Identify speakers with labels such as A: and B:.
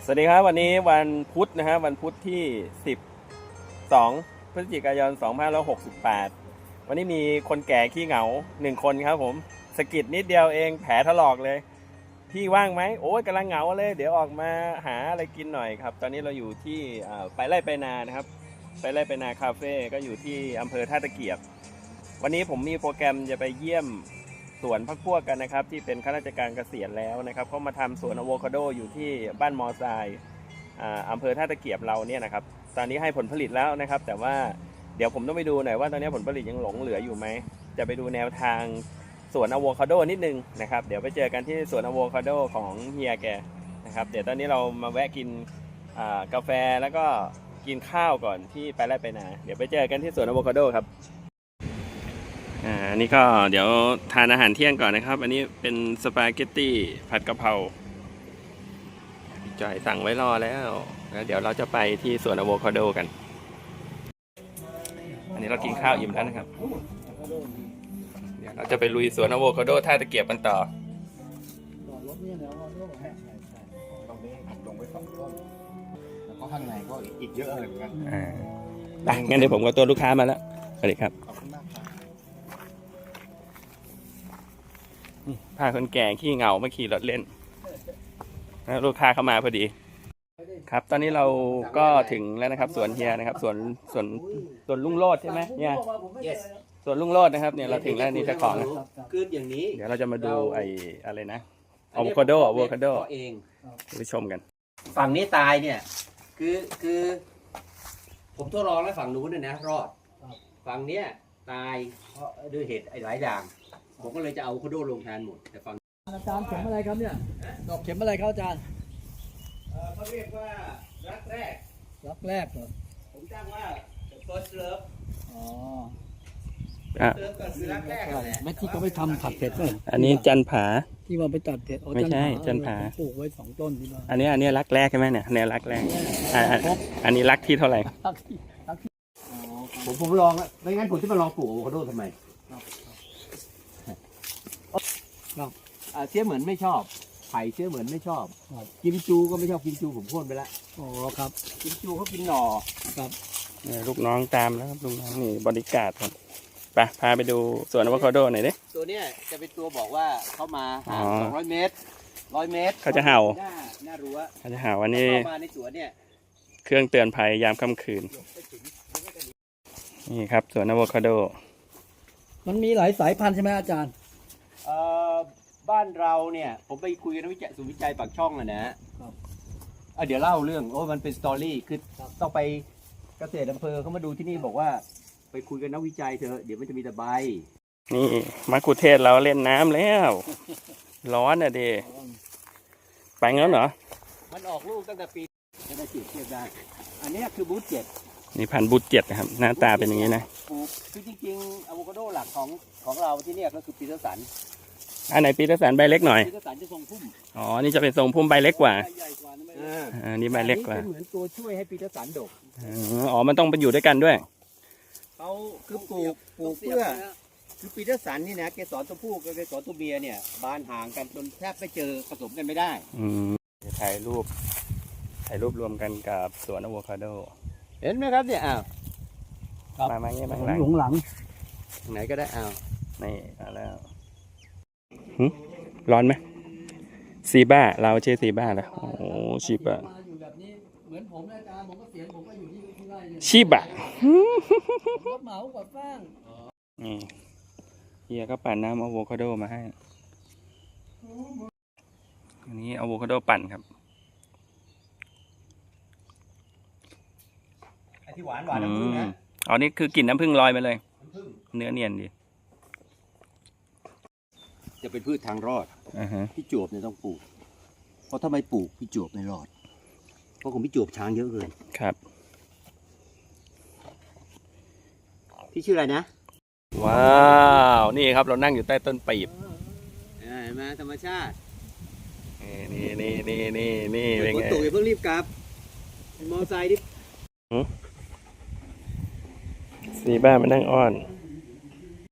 A: สวัสดีครับวันนี้วันพุธนะฮะวันพุธที่12พฤศจิกายน2568วันนี้มีคนแก่ขี้เหงา1คนครับผมสะกิดนิดเดียวเองแผลถลอกเลยพี่ว่างไหมโอ้ยกำลังเหงาเลยเดี๋ยวออกมาหาอะไรกินหน่อยครับตอนนี้เราอยู่ที่ไปไร่ไปนานะครับไปไร่ไปนาคาเฟ่ก็อยู่ที่อำเภอท่าตะเกียบวันนี้ผมมีโปรแกรมจะไปเยี่ยมสวนพักพวกกันนะครับที่เป็นข้าราชการเกษียณแล้วนะครับเขามาทำสวนอะโวคาโดอยู่ที่บ้านมอไซค์อำเภอท่าตะเกียบเราเนี่ยนะครับตอนนี้ให้ผลผลิตแล้วนะครับแต่ว่าเดี๋ยวผมต้องไปดูหน่อยว่าตอนนี้ผลผลิตยังหลงเหลืออยู่ไหมจะไปดูแนวทางสวนอะโวคาโดนิดนึงนะครับเดี๋ยวไปเจอกันที่สวนอะโวคาโดของเฮียแกนะครับเดี๋ยวตอนนี้เรามาแวะกินกาแฟแล้วก็กินข้าวก่อนที่ไปไร่ไปนาเดี๋ยวไปเจอกันที่สวนอะโวคาโดครับอันนี้ก็เดี๋ยวทานอาหารเที่ยงก่อนนะครับอันนี้เป็นสปาเกตตี้ผัดกะเพราจ่อยสั่งไว้รอแล้วเดี๋ยวเราจะไปที่สวนอะโวคาโดกันอันนี้เรากินข้าวอิ่มแล้วนะครับเดี๋ยวเราจะไปลุยสวนอะโวคาโดท่าตะเกียบกันต่อ
B: ตรงนี้ลงไป2 ต้นแล้วก็ข้างในก็อีกเยอะเลยเหมือนกัน
A: งั้นเดี๋ยวผมกับตัวลูกค้ามาแล้วสวัสดีครับพาคนแก่ขี้เหงามาขี่รถเล่นลูกค้าเข้ามาพอดีครับตอนนี้เราก็ถึงแล้วนะครับสวนเฮียนะครับสวนลุงโลดใช่ไหมเนี่ยสวนลุงโลดนะครับเนี่ยเราถึงแล้วนี่เจ้าของ
B: คืออย่างนี้
A: เดี๋ยวเราจะมาดูอะไรนะอะโวคาโด
B: เอง
A: ไปชมกัน
B: ฝั่งนี้ตายเนี่ยคือผมทดลองแล้วฝั่งนู้นเนี่ยนะรอดฝั่งเนี้ยตายเพราะด้วยเหตุหลายอย่างผมก็เลยจะเอาอะโวคาโดลงแทนหมดแต่ฝั่ง
C: อาจารย์เข็มอะไรครับเนี่ยดอกเข็มอะไรครับอาจารย์
B: เขาเรียกว่ารักแรก
C: เหรอ
B: ผมจ้างว่า first love
C: อ๋อ
B: เก็คือรักแรกแหละ
C: แม่ที่เขาไปทำผัดเผ็ดเลย
A: อันนี้จันผา
C: ที่ว่าไปตัดเผ็ด
A: ไม่ใช่จันผา
C: ปลูกไว้2 ต้นที่บ้าน
A: อันนี้รักแรกใช่ไหมเนี่ยแนวรักแรกอันนี้รักที่เท่าไหร่
B: ผมลองไม่งั้นผมจะมาลองปลูกอะโวคาโดทำไมเสียเหมือนไม่ชอบไผ่เสียเหมือนไม่ชอบกิมจูก็ไม่ชอบกิมจูผมพ่นไปแล้ว
C: อ๋อครับ
B: กิมจูเขากินหน่อ
C: ครับ
A: ลูกน้องตามแล้วครับลูกน้องนี่บริการครับไปพาไปดูสวนอะโวคาโดหน่อยดิ
B: ตัวเนี้ยจะเป็นตัวบอกว่าเขามาห่าง200 เมตร100 เมตร
A: เขาจะเห่า
B: หน้ารั้ว
A: เขาจะเห่าวันนี้
B: มาในสวนเนี่ย
A: เครื่องเตือนภัยยามค่ำคืนนี่ครับสวนอะโวคาโด
C: มันมีหลายสายพันธุ์ใช่ไหมอาจารย์
B: บ้านเราเนี่ยผมไปคุยกับนักศูนย์วิจัยปากช่องนะเดี๋ยวเล่าเรื่องมันเป็นสตอรี่คือต้องไปเกษตรอำเภอเขามาดูที่นี่บอกว่าไปคุยกับนักวิจัยเถอะเดี๋ยวมันจะมีแต่ใบ
A: นี่มะกุเทศเราเล่นน้ำแล้วร้อนอ่ะเดไปงั้นเหรอ
B: มันออกลูกตั้งแต่ปีจะได้เทียบได้อันนี้คือบูท7
A: นี่พันธุ์บูท7นะครับหน้าตาเป็นอย่างนี้นะ
B: คือจริงๆอะโวคาโดหลักของเราที่นี่ก็คือปีเตอร์สัน
A: อันไหนปีเตอร์สันใบเล็กหน่อย
B: ปีเตอร์สันจะทรงพุ่ม
A: อ๋อนี่จะเป็นทรงพุ่มใบเล็กกว่านี่ใบเล็กกว่า
B: เป็นเหมือนตัวช่วยให้ปีเตอร์สันดก
A: อ๋อมันต้องไปอยู่ด้วยกันด้วย
B: เขาคือปลูกเพื่อคือปีเตอร์สันนี่นะเกสรตัวผู้กับเกสรตัวเมียเนี่ยบานห่างกันจนแทบไม่เจอผสมกันไม่ได้
A: ถ่ายรูปรวมกันกับสวนอะโวคาโด
B: เห็นไหมครับเนี่ย
A: มาเงี้ยมา
C: หลัง
B: ไหนก็ได้
A: นี่มาแล้วร้อนไหมซีบ้าเราเชื่อซีบ้าแล้วโอ้ชีบะ
C: อยู่แบบนี้เหมือนผมอาจารย์ผมก็เสียงผมก็อยู่ที่ไร่เนี่ย
A: ชีบะ
C: รถเหมากับฟาง
A: นี่เฮียก็ปั่นน้ำอะโวคาโดมาให้อันนี้อะโวคาโดปั่นครับ
B: ไอ้ที่หวานน้ำผึ้งนะ
A: อ๋อนี่คือกลิ่นน้ำผึ้งลอยมาเลยเนื้อเนียนดี
B: จะเป็นพืชทางรอดพี่จวบเนี่ยต้องปลูกเพราะถ้าไม่ปลูกพี่จวบไม่รอดเพราะผมพี่จวบช้างเยอะเลย
A: ครับ
B: พี่ชื่ออะไรนะ
A: ว้าวนี่ครับเรานั่งอยู่ใต้ต้นปีบ
B: เห็นไหมธรรมชาติ
A: นี่เป็น
B: ไงฝนตกอย่าเพิ่งรีบกลับมอไซค์ดิ
A: ซีบ้ามานั่งอ้อน